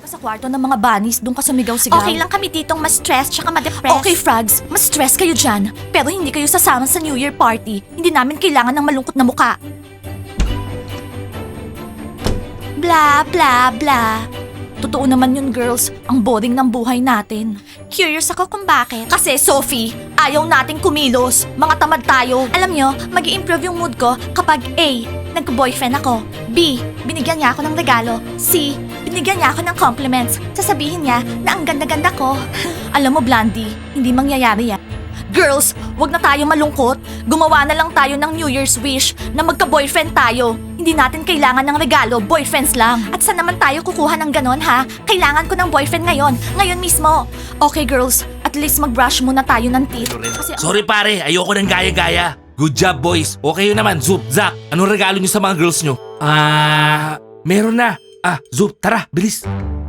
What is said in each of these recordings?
ka sa kwarto ng mga bunnies, doon ka sumigaw-sigaw. Okay lang kami ditong ma-stress tsaka ma-depress. Okay, frogs, mas stress kayo dyan. Pero hindi kayo sasama sa New Year party. Hindi namin kailangan ng malungkot na muka. Bla, bla, bla. Totoo naman yun, girls. Ang boring ng buhay natin. Curious ako kung bakit. Kasi, Sophie, ayaw nating kumilos. Mga tamad tayo. Alam nyo, mag-i-improve yung mood ko kapag A, nag-boyfriend ako. B, binigyan niya ako ng regalo. C, binigyan niya ako ng compliments. Sasabihin niya na ang ganda-ganda ko. Alam mo, Blandy, hindi mangyayari yan. Girls, wag na tayo malungkot. Gumawa na lang tayo ng New Year's wish na magka-boyfriend tayo. Hindi natin kailangan ng regalo, boyfriends lang. At saan naman tayo kukuha ng ganon ha? Kailangan ko ng boyfriend ngayon. Ngayon mismo. Okay, girls, at least mag-brush muna tayo ng teeth. Kasi Sorry pare, ayoko ng gaya-gaya. Good job boys. Okay yun naman, Zup, Zach. Anong regalo nyo sa mga girls nyo? Meron na. Zup, tara, bilis.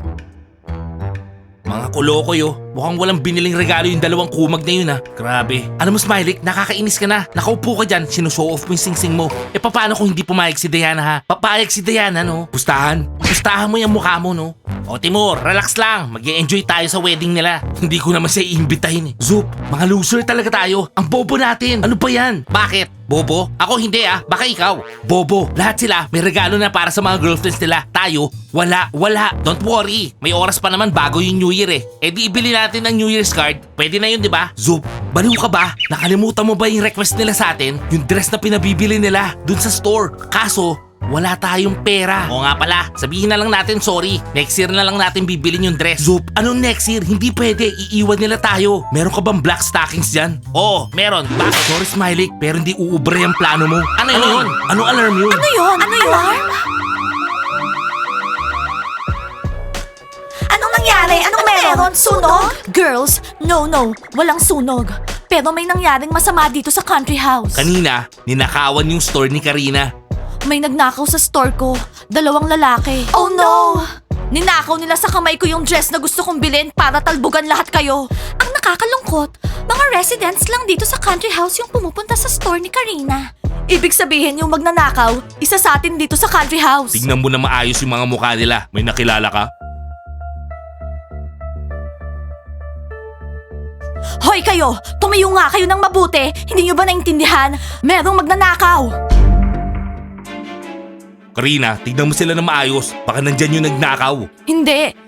Mga kuloko yo. Mukhang walang biniling regalo yung dalawang kumag na yun Grabe. Alam mo Smiley, nakakainis ka na. Nakaupo ka dyan, sinushow off mo yung sing-sing mo. Paano kung hindi pumayag si Diana ha? Papayag si Diana no? Pustahan mo yung mukha mo no? O Timur, relax lang. Mag-enjoy tayo sa wedding nila. Hindi ko naman siya iimbitahin Zup, mga loser talaga tayo. Ang bobo natin. Ano ba yan? Bakit? Bobo? Ako hindi Baka ikaw. Bobo. Lahat sila may regalo na para sa mga girlfriends nila. Tayo, wala. Don't worry. May oras pa naman bago yung New Year di ibili natin ng New Year's card. Pwede na yun, di ba? Zup, baliw ka ba? Nakalimutan mo ba yung request nila sa atin? Yung dress na pinabibili nila dun sa store. Kaso, wala tayong pera. O nga pala, sabihin na lang natin sorry. Next year na lang natin bibilin yung dress. Zup, anong next year? Hindi pwede. Iiwan nila tayo. Meron ka bang black stockings dyan? Oo, meron. Bakit? Sorry Smiley, pero hindi uubre ang plano mo. Ano yun? Anong alarm yun? ano yun? Alarm? Anong nangyari? Anong meron? Sunog? Girls, no. Walang sunog. Pero may nangyaring masama dito sa country house. Kanina, ninakawan yung store ni Karina. May nagnakaw sa store ko. 2 lalaki. Oh no! Ninakaw nila sa kamay ko yung dress na gusto kong bilhin para talbugan lahat kayo. Ang nakakalungkot, mga residents lang dito sa country house yung pumupunta sa store ni Karina. Ibig sabihin yung magnanakaw, isa sa atin dito sa country house. Tignan mo na maayos yung mga mukha nila. May nakilala ka? Hoy kayo! Tumayo nga kayo ng mabuti! Hindi nyo ba naintindihan? Merong magnanakaw! Karina, tignan mo sila na maayos. Baka nandyan yung nagnakaw. Hindi!